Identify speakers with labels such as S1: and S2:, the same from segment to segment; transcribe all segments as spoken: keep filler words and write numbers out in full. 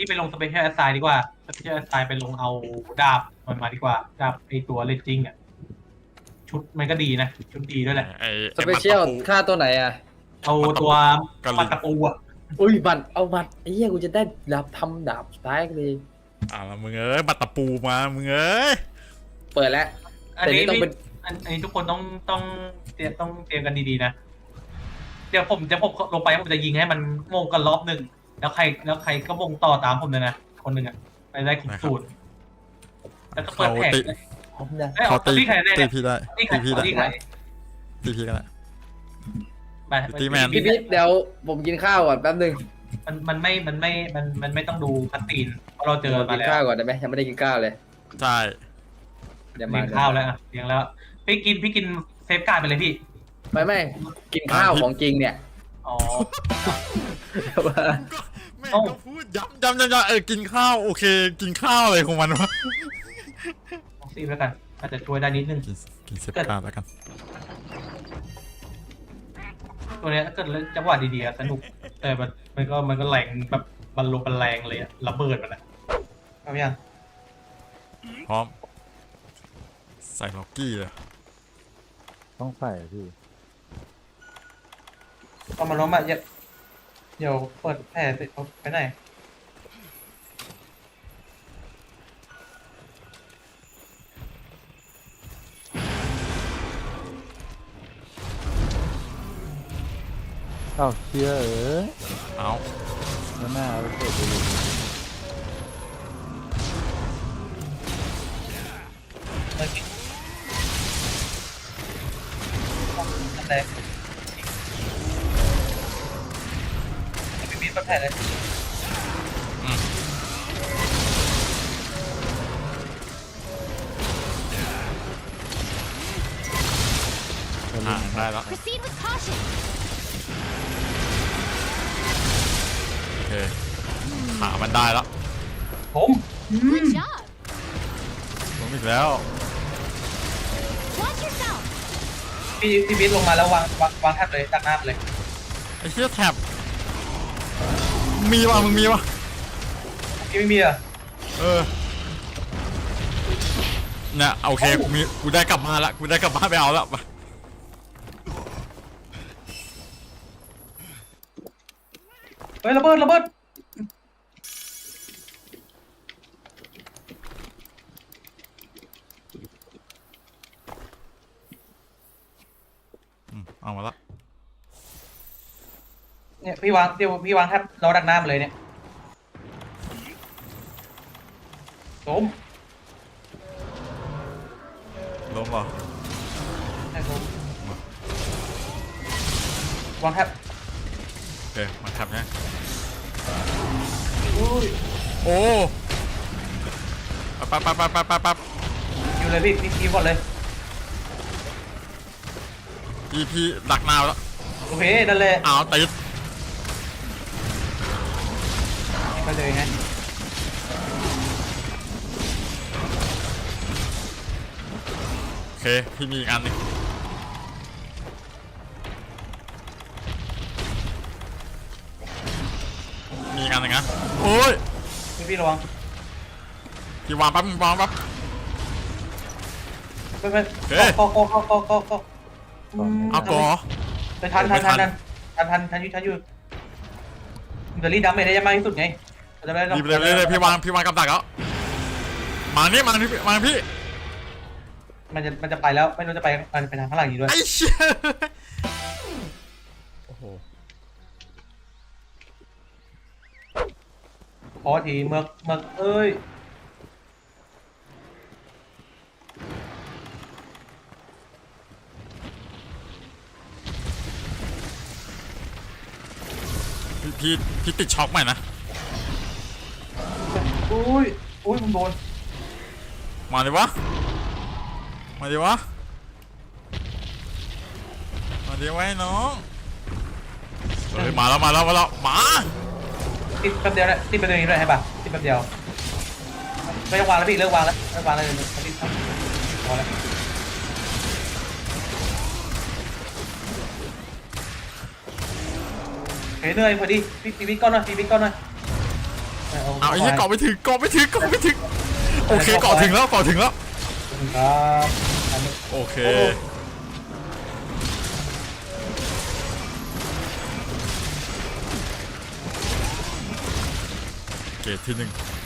S1: พี่ไปลงสเปเชียลแอสไซน์ดีกว่าสเปเชียลแอสไซน์ไปลงเอาดาบมันมาดีกว่าดาบไอตัวเลนจิงอ่ะชุดมันก็ดีนะชุดดีด้วยแหละ
S2: ไอ้
S3: สเปเชียลค่าตัวไหนอ่ะ
S1: เอาตัวปัตตะปูอ่ะ
S3: อุ้ยบัตรเอาบัตรไอ้เหี้ยกูจะได้ดาบทำดาบสไตล์เลย
S2: อ่ามึงเอ้ยบัตรตะปูมามึงเอ้ย
S3: เปิดแล้ว
S1: อัน
S3: แต่
S1: นี้
S3: นี่ต้องเป็น
S1: อันนี้ทุกคนต้องต้องเตรียมต้องเตรียมกันดีๆนะเดี๋ยวผมจะผมลงไปผมจะยิงให้มันโมงกันรอบหนึ่งแล้วใครแล้วใครก็วงต่อตามผมเลยนะคนหนึ่งอ่ะไปได้ขุมสูตรแล้วก็เปิดแผงเลย
S3: ผมนะ
S1: เอ้ย
S2: เขา
S1: เอา
S2: ตี
S1: ที่ใครได้
S2: ตี
S1: เนี่ย
S2: พี่ได้
S1: ที่ใคร
S2: ตีพี่ได้
S1: ที่ใคร
S2: ตีพี่ก็ได้
S1: ไป
S2: ตีแมน
S3: พี่พิษเดี๋ยวผมกินข้าวก่อนแป๊บนึง
S1: มันมันไม่มันไม่มันมันไม่ต้องดูคัตตีนเพราะเราเจอ
S3: ผม
S1: มา
S3: กิน
S1: แล้ว
S3: ข้าวก่อนได้ไหมยังไม่ได้กินข้าวเลย
S2: ใช่
S3: เดี๋ยวมา
S1: เลี้ยงข้าวแล้วอ่ะเลี้ยงแล้วพี่กินพี่กินเซฟการ์ดไปเลยพี่
S3: ไม่ไม่กินข้าวของจริงเนี่ย
S1: อ๋อ
S2: แม่งก็พูดย้ำย้ำย้ำย้ำเออกินข้าวโอเค กินข้าวอะไรของมันวะ
S1: ลองซีแล้วกันอาจจะช่วยได้นิดนึง
S2: กินกินเซฟการ์ดแล้วกัน
S1: ตัวเนี้ยถ้าเกิดเล่นจังหวะดีๆอะสนุก แต่มันมันก็มันก็แรงแบบบรรลุบรรแรงเลยอะระเบิดมันอะเอายัง
S2: พร้อมใส่ล็อกกี้เลย
S4: ต้องใส่พี่
S1: เอามาล้มอะเดี๋ยวเดี๋ยวเปิดแผลเสร็จเอาไปไหน
S4: เอ้าเชียเอ๋ย
S2: เอา
S4: แล้วหน้าเอาเสร็จไปเลย
S1: เมื่อกี้นั่นแหละไม่มีปัญหาเลย
S2: อ่าได้แล้ว
S5: Proceed with caution.
S2: โอเคขามันได้แล้ว
S1: ผม
S5: Good job.
S2: ผมอีกแล้ว
S5: Watch yourself.
S1: พี่พี่บิ๊กลงมาแล้ววางวางวางแทบเลยตักหน้าไปเลย
S2: ไอ้เหี้ยแท็บมีวะมึงมีวะ
S1: พี่ไม่มีอะ
S2: เออเนี่ยโอเคกูมีกูได้กลับมาละกูได้กลับบ้านไปเอาแล้ว
S1: เฮ้ยระเบิดระเบิด
S2: อืมเอามาละ
S1: เนี่ยพี่วางเดี๋ยวพี่วางแทบเราดักหน้ามาเลยเนี่ยผม
S2: ล้มเหรอ
S1: ให้ผมวางแทบ
S2: โอเคมาแท็บเนี่ย
S1: อุ้ย
S2: โอ้ปั๊บปั๊บปั๊บปั๊บปั๊บปั๊บ
S1: อยู่เลยพี่พี่พี่ก่อนเลย
S2: พี่พี่ดักนาวแล้ว
S1: โอเคนั่นเลย
S2: อ้าวติด
S1: ไปเลยไง
S2: โอเคพี่มีอีกอันหนึงมีอีกอันหนึงนะโอ้ย
S1: พี่พี่ระวัง
S2: พี่วางปั๊บมึงวางปั๊บ
S1: ไปไป
S2: เฮ้ย
S1: ก็ก็ก็ก็ก็ก็อืม
S2: เอาก่อ
S1: ไปทันทัน
S2: ไม่ทั
S1: ทัน
S2: น
S1: ทันทันทันทันอยู่ทันอยู่เดลี่ดัมเมจได้มากที่สุดไงจะได้
S2: รีบเลยเลยเลยพี่วางพี่วางกับดักแล้วมานี่มานี่มาพี่
S1: มันจะมันจะไปแล้วไม่รู้จะไปมันไปทางข้างหลังอยู่ด้วย
S2: ไอ้เชี่ยโอ้โห
S1: ขอทีเมือกเมือกเอ้ย
S2: พี่พี่พี่ติดช็อกใหม่นะ
S1: อุ้ยอุ้ยผมโดน
S2: มาดิวะมาดิวะมาดิวะไอ้น้องเฮ้ยมาแล้วมาแล้วมาแล้วมา
S1: ติดแป๊บเดียวนะติดแป๊บเดียวนี้ด้วยใช่ป่ะติดแป๊บเดียวไม่ต้องวางแล้วพี่เลิกวางแล้วเลิกวางแล้วติดพอแล้วเฮ้ยเหนื่อยพอดีพี่พี่ก้อนหน่อยพี่พี่ก้อนหน่อย
S2: เอาไอ้เหี้ยเกาะไม่ถึงเกาะไม่ถึงเกาะไม่ถึงโอเคเกาะถึงแล้วเกาะถึงแล้ว
S1: ครับอันนี้
S2: โอเคเกตที่หนึ่ง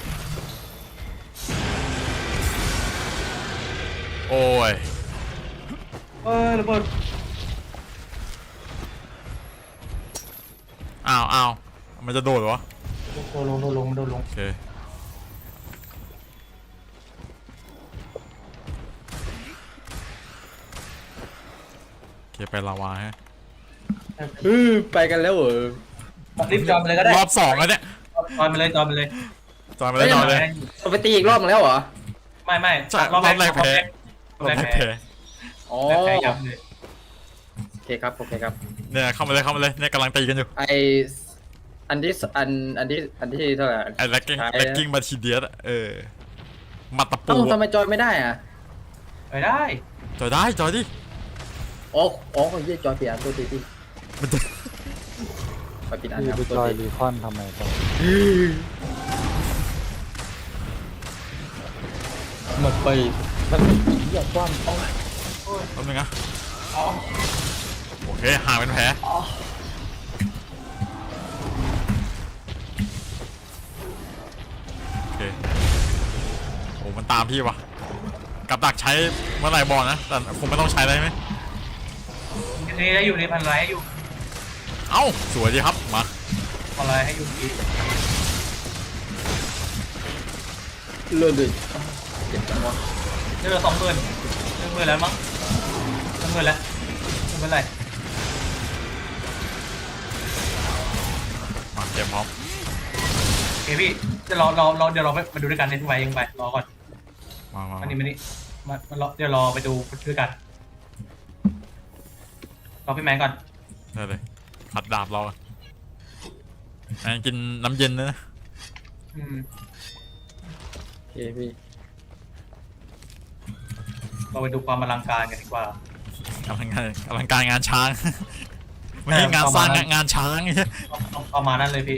S2: โอ้ย
S1: เออระเบิด
S2: อ้าวอ้าวมันจะโดดเหรอ
S1: โดนลงโดนลงโดนลง
S2: โอเคโอเคไปลาวาฮะ
S3: เออไปกันแล้วเหรอ
S1: รีบจอยมาเลยก็ได้
S2: รอบสองแล้วเนี่ย
S1: จอยมาเลยจอยมาเลย
S2: จอยมาเลยจอยเลย
S3: เราไปตีอีกรอบนึงแล้วเหรอ
S1: ไม่ไม่
S2: ใช่รอบแรกแพ้รอบแรกแพ้
S3: อ๋อ
S1: แรกแพ้ยับเลย
S3: โอเคครับโอเคครับ
S2: เนี่ยเข้ามาเลยเข้ามาเลยเนี่ยกำลังตีกันอยู่
S3: ไออันที่สอันอันที่อันที่เท่าไหร่
S2: ไอ้แล็กกิ้งแล็กกิ้งมาทีเดียสเออมาตะปู
S3: เอ้าทำไมจอยไม่ได้อ่ะ
S1: ไปได้
S2: จอยได้จอยดิ
S3: อ๋ออ๋อเยี่ยจอยเปลี่ยนตัวทีที่
S2: มันจะ
S3: ไปปิดอัน
S4: พี่
S3: ครับ
S4: ไป
S3: ตัว
S4: จอย
S3: ที
S4: รีคอนทำไมต่อ
S3: หมดไปมันเยี่ยความต้อง
S2: แป๊บนึงนะโอเคห่างเป็นแผลโอเคโอ้มันตามพี่วะกับดักใช้เมื่อไหร่บอกนะแต่คงไม่ต้องใช้ได้ไหม
S1: นี่ได้อยู่ในพันไลท์อยู่
S2: เอ้าสวยดีครับมา
S1: พันไลท์ให้อยู่ที่
S3: เลื่อนเลยเจ็บจังวะ
S1: เจอสองหมื่นหนึ่งหมื่นแล้วมั้งหนึ่งหมื่นแล้วไม่เป็นไร
S2: มาเตรียมพร้อม
S1: โอเคพี่จะรอรอรอเดี๋ยวเราไปมาดูด้วยกันในทุกวัยยังไปรอก่อน
S2: มามา
S1: อันนี้มานี่มามารอเดี๋ยวรอไปดูด้วยกันรอพี่แมนก่อน
S2: ได้เลยขัดดาบเราอะแม่งกินน้ำเย็นนะ
S1: อืม
S3: โอเคพี่
S1: เราไปดูความอลังการกันดีกว่า
S2: กำลังงานกำลังการงานช้าง ไม่ใช่งานสร้างงานงานช้างไอ้เหี้ย
S1: ต้องต้องประมาณนั้นเลยพี่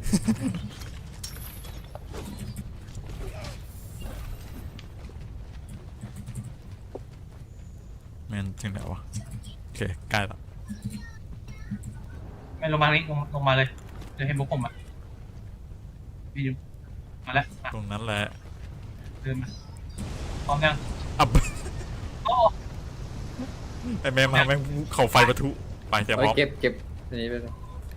S2: แมนถึงไหนวะโอเคใกล้แล้ว
S1: ไม่ลงมานี่ลงลงมาเลยเดี๋ยวให้มุกผมอ่ะพี่ดูมาแล้วอ่ะ
S2: ตรงนั้นแหละ
S1: เดินมาพร้อมยัง
S2: อับ
S1: โอ้
S2: ไอแม่มาแม่งเข่าไฟปะทุไปเตรียมพ
S3: เอา
S2: ร้อม
S3: เก็บเก็บอันนี้ไปเลย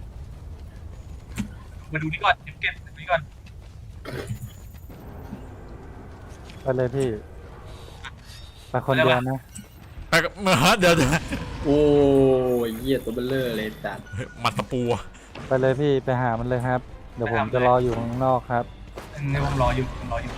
S1: มาดูนี่ก่อนเก็บเก็บดูนี่ก่อน
S4: ไปเลยพี่ไปคนเดียวนะ
S2: ไปกับเมื่อเดี๋ยวเดี๋ยว
S3: โอ้ยเยี่ยตัวเบลเลอร์เลยจัด
S2: เฮ้ยมัดตะปูอะ
S4: ไปเลยพี่ไปหามันเลยครับ เดี๋ยวผมจะรออยู่ข้างนอกครับ
S1: ในผมรออยู่ผมรออยู่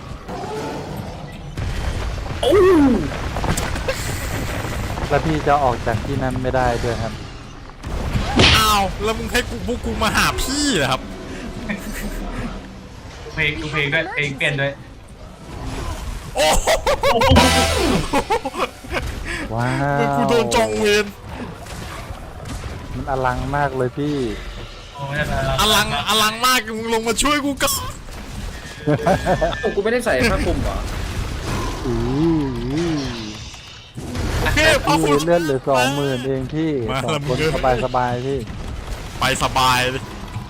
S4: แล้วพี่จะออกจากที่นั้นไม่ได้ด้วยครับ
S2: อ้าวแล้วมึงให้กูพวกกูมาหาพี่เหรอครับ
S1: ดูเพลงดูเพลงด้วยเพลงเปลี่ยนด้วย
S2: โอ้โห
S4: ว้า
S2: มึง
S4: ว
S2: กูโดนจองเวร
S4: มันอลังมากเลยพี่
S1: โอ้ไม่ได้ไม่ได้
S2: อลังอลังมากมึงลงมาช่วยกูกัน
S3: โอ้กูไม่ได้ใส่ผ้าคลุมเหรอ
S4: อือ
S2: โอเคพอ
S4: พี่
S2: คุณ
S4: เลื่อนเหลือสองหมื่นเองพี่
S2: มา
S4: สอง
S2: แล้วมึ
S4: ค
S2: ง
S4: น
S2: เอ้ย
S4: สบายสบายๆพี่
S2: ไปสบายเลย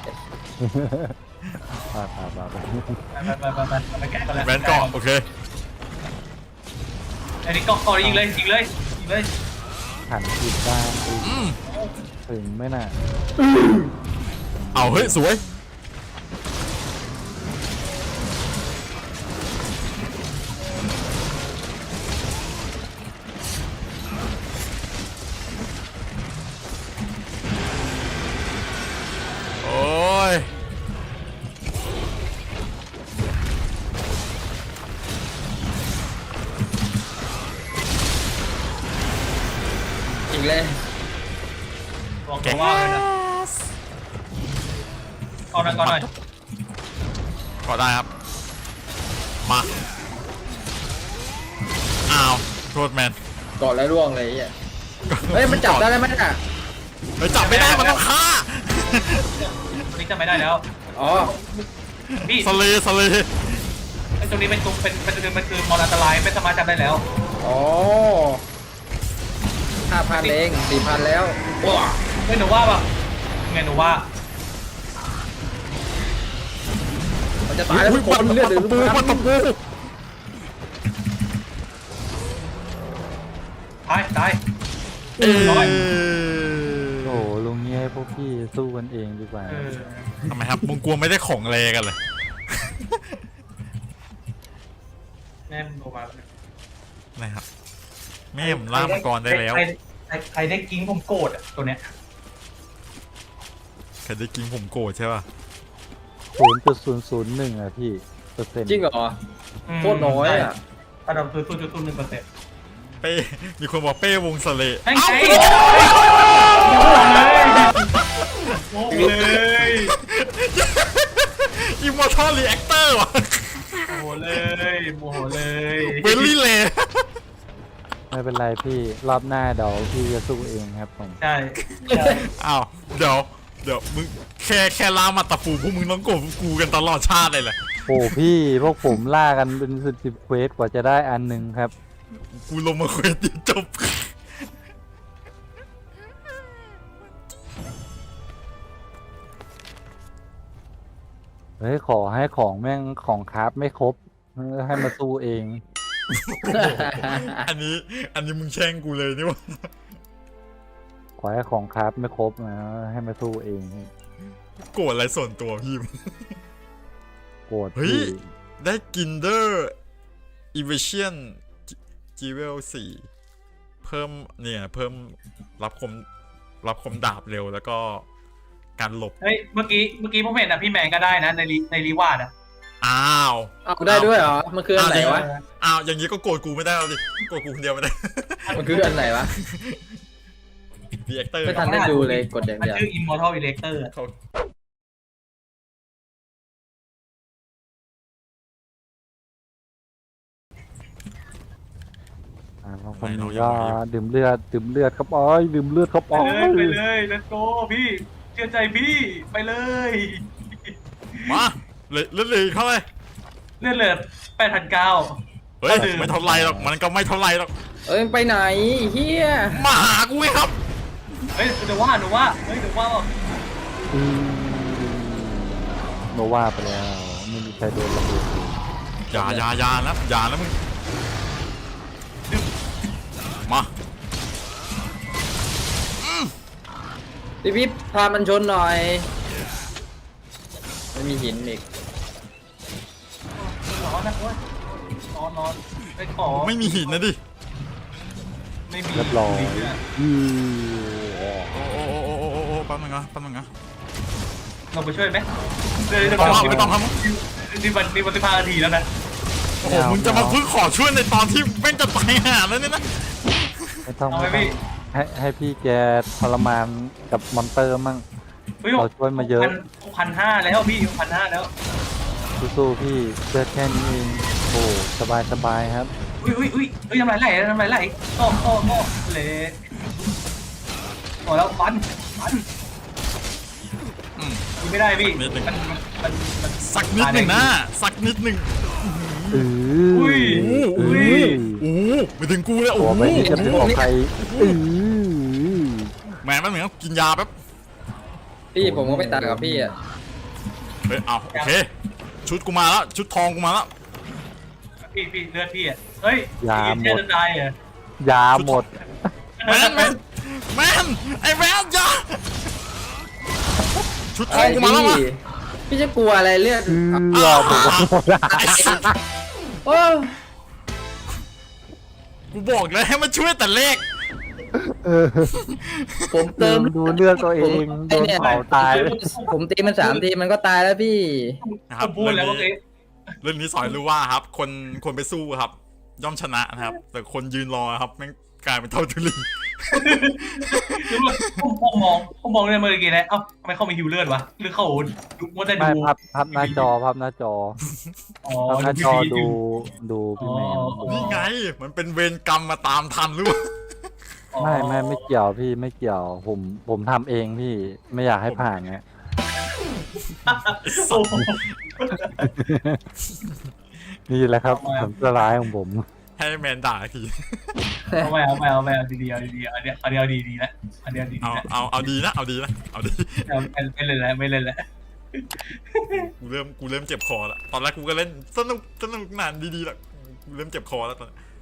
S4: ไปไปไปไป
S1: ไปไปไปไปไปแกะกันแล้ว
S2: แวนเกาะโอเค
S1: อันนี้เกาะเกาะยิงเลยยิงเลยยิงเลย
S4: หันผิดด้านอีก
S2: อืม
S4: ถึงไม่น่ะ
S2: เอาเฮ้ยสวยโอ้ย
S3: อีกเลย
S1: บอกตัวว่าเลยนะเอาหน่อยก่อนหน่อย
S2: ก็ได้ครับ มาอ้าวโทษแมน
S3: เกาะแล้วร่วงเลยไอ่ะเฮ้ยมันจับได้แล้วไหมน่ะ
S2: เฮ้ยจับไม่ได้มันต้องฆ่า
S1: ตัวนี้จะไม่ได้แล้ว
S3: อ๋อ
S1: พี่
S2: สเลสเล
S1: ไอ้ตรงนี้เป็นตัวเป็นเป็นเป็นมันคือมอนอันตรายไม่สามารถจับได้แล้ว
S3: อ๋อห้าพันเองสี่พันแล้วว้า
S1: เฮ้ยหนูว่าแบบไงหนูว่า
S3: มันจะตายแล้วทุกคนเลือดเหลือ
S2: ปู
S3: ทุก
S2: ปัต
S3: ค
S2: ตะ
S3: น
S2: ปู
S1: ตายตาย
S2: เอ้ย
S4: โอ้โหลุงนี้ให้พวกพี่สู้กันเองดีกว่า
S1: เออ
S2: ทำไมครับมึงกลัวไม่ได้ของเลกันเลย
S1: แม่มันโทรมา
S2: นะครับแม่ผมล่ามังกรได้แล้ว
S1: ใครใครใครได้กิ้งผมโกรธอ่ะตัวเนี้ย
S2: ใครได้กินผมโกรธใช่ป่ะ
S4: ศูนย์จุดศูนย์ศูนย์หนึ่งอะพี่เปอร์เซ็นต์
S3: จริงเหรอโคตรน้อยอ่ะ
S1: ระดับคือศูนย์จุดศูนย์หนึ่งเปอร์เซ็นต์
S2: เป้มีคนบอกเป้วงสเล
S1: ไอ้
S2: เอ้า
S1: ไงโอ้โหเลย
S2: อิมมอร์ทัลรีแอคเตอร์ว่ะ
S1: โอ้โหเลยโอ้โหเลย
S2: เวลลี่เล
S4: ไม่เป็นไรพี่รอบหน้าเดี๋ยวพี่จะสู้เองครับผม
S1: ใช่ใช่
S2: อ้าวเดี๋ยวเดี๋ยวมึงแค่แค่ล่ามาตะปูพวกมึงต้องโกรธกูกันตลอดชาติเลยแหละ
S4: โอ้พี่พวกผมล่ากันเป็นสิบสิบเควสกว่าจะได้อันหนึ่งครับ
S2: กูลงมาคุยจนจบ
S4: เฮ้ยขอให้ของแม่งของคราฟไม่ครบให้มาสู้เอง
S2: อันนี้อันนี้มึงแช่งกูเลยนี่วะ
S4: ขอให้ของคราฟไม่ครบนะให้มาสู้เอง
S2: โกรธอะไรส่วนตัวพี่
S4: โกรธ
S2: เฮ้ย
S4: พี่
S2: ได้กินเดอร์อีเวเชียนจีเวลสี่เพิ่มเนี่ยเพิ่มรับคมรับคมดาบเร็วแล้วก็การหลบ
S1: เฮ้ยเมื่อกี้เมื่อกี้ผมเห็นอ่ะพี่แมนก็ได้นะในรีในรีวาร์ดอ่ะ
S2: อ้าว
S3: เอาได้ด้วยเหรอมันคืออันไหนวะ
S2: อ้าวอย่างนี้ก็โกรธกูไม่ได้แล้วดิโกรธกูคนเดียวไม่ได้
S3: มันคืออันไหนวะ
S2: ดีแอคเตอร์
S3: ไม่ทันได้ดูเลยกดอย่าง
S1: มัน
S3: เดียว
S1: ชื่อ Immortal Elector
S2: เขา
S4: อ่าบางคนนี้ก็ดื่มเลือดดื่มเลือดครับอ้อยดื่มเลือดครับ
S1: ไป
S4: อ้อ
S1: เลยไปเลย let's go พี่เชื่อใจพี่ไปเลย
S2: มาเลยเลื่อนเลยเข้าไป
S1: เลือดเหลือแปดพันเก้า
S2: เฮ้ยไม่เท่าไรหรอกมันก็ไม่เท่าไรหรอก
S3: เอ้ยไปไหนเฮีย
S2: มาหากูไงครับ
S1: เฮ้ยเดี๋ยวว่าหนูว่าเฮ้ยเดี๋ยวว่า
S4: อืมโนว่าไปแล้วไม่มีใครโดนระเบิด
S2: อย่าอย่าอย่านะอย่านะมึงมา
S3: พี่พี่พามันชนหน่อยไม่มีหินอีก
S1: ร้อนนะเว้ยนอนนอนไปขอ
S2: ไม่มีหินนะดิ
S1: ไม่มี
S4: เรียบร้อยอือ
S2: โอ้โอ้โอ้โอ้โอ้โอ้แป๊บนึงนะแป๊บนึงนะ
S1: เราไปช่วยไหมเดี๋ยว
S2: ไม่
S1: เดี๋ยว
S2: ต้อง
S1: เดี๋ยว
S2: ไม่ต้องทำ
S1: นี่วันนี่วันสิบห้านาทีแล้วนะ
S2: โอ้โหมึงจะมาพึ่งขอช่วยในตอนที่แม่งจะตายห่าแล้วเนี่ยนะ
S4: ไม่ต้อง
S1: เอาไหม
S4: ไม่ต้อง
S1: พี่
S4: ให้ให้พี่แกทรมานกับมอนเตอร์มั่ง
S1: เฮ้ย
S4: เราช่วยมาเยอะ
S1: พันห้าแล้วพี่พันห้าแล้ว
S4: สู้ๆพี่เลือดแค่นี้เองโอ้สบายสบายครับ
S1: อุ้ยอุ้ยอุ้ยเฮ้ยทำไรไหลทำไรไหลโต้โต้โต้เละโอ้แล้วฟันฟัน
S2: อืม
S1: ยิงไม่ได้พี่
S2: นิดหนึ่ง
S1: มันมันมัน
S2: สักนิดหนึ่งนะสักนิดหนึ่ง
S4: อื
S1: อุ้ย
S4: อ
S1: อุ้ย
S2: โอ้โหไปถึงกูเลยโอ้
S4: ตัว
S2: โห
S4: ไปนี่จะเป็นของใครอือ
S2: แหมมันเหมือนกินยาแป๊บ
S3: พี่ผมก็ไปตัดกับพี่อ่ะ
S2: เฮ้ยเอาโอเคชุดกูมาแล้วชุดทองกูมาแล้ว
S1: พี่พี่เลือดพี่อ่ะเฮ้ย
S4: ยาหม
S1: เลือ
S4: ด
S1: ดตายอ่ะ
S4: ยาหมด
S2: แมนแมนแมนไอ้แมนยาชุดทอ
S3: ไอ้
S2: งกูมาแล้ววะ
S3: พี่พี่จะกลัวอะไรเลือด
S4: อือรอผมหมดอะ
S2: ไอ้สัส
S3: โอ้
S2: กูบอกเลยให้มันช่วยแต่เลข
S4: เออ
S3: ผมเติม
S4: ดูเลือดตัวเองโดนเผาตาย
S3: ผมตีมันสามทีมันก็ตายแล้วพี่
S2: นะค
S1: ผ
S2: รับ
S1: มพูดแล้วเมื่อกี้
S2: เรื่องนี้สอนรู้ว่าครับ คนคนไปสู้ครับ ย่อมชนะนะครับ แต่คนยืนรอครับแม่งกลายเป็นเท่าทุลี
S1: ผมผมมองผมมองในเมื่อกี้นะเอ้าทำไมเขามีฮิวเลือดวะหรือเขาดูว่าแต่ดู
S4: ไม่พับพับหน้าจอพับหน้าจอ
S1: อ๋อ
S4: พับหน้าจอ
S1: พี่
S4: ดูดูพี่แมน
S1: อ๋อ
S2: นี่ไง มันเป็นเวรกรรมมาตามทันหรือเปล่า
S1: อ๋อ
S4: ไม่ไม่ไม่เกี่ยวพี่ไม่เกี่ยว ผมผมทำเองพี่ไม่อยากให้ผ่านไง
S1: โอ้โห
S4: นี่แหละครับผลสลายของผม
S2: ให้แมนด่าที
S1: เอาไปเอาไปเอาไปเอาดีๆเอาดีๆเอาเดี๋ยวเอาเดี๋ยวดีๆแล้วเอาเดี๋ยวดี
S2: เอา
S1: ๆแล้ว
S2: เอาเอาดีนะเอาดีนะเอาดี
S1: เอาไม่ไม่เล่นแล้วไม่เล่นแล้ว
S2: กูเริ่มกูเริ่มเจ็บคอแล้วตอนแรกกูก็เล่นสนุกสนุกนานดีๆแล้วกูเริ่มเจ็บคอแล้วตอนนี้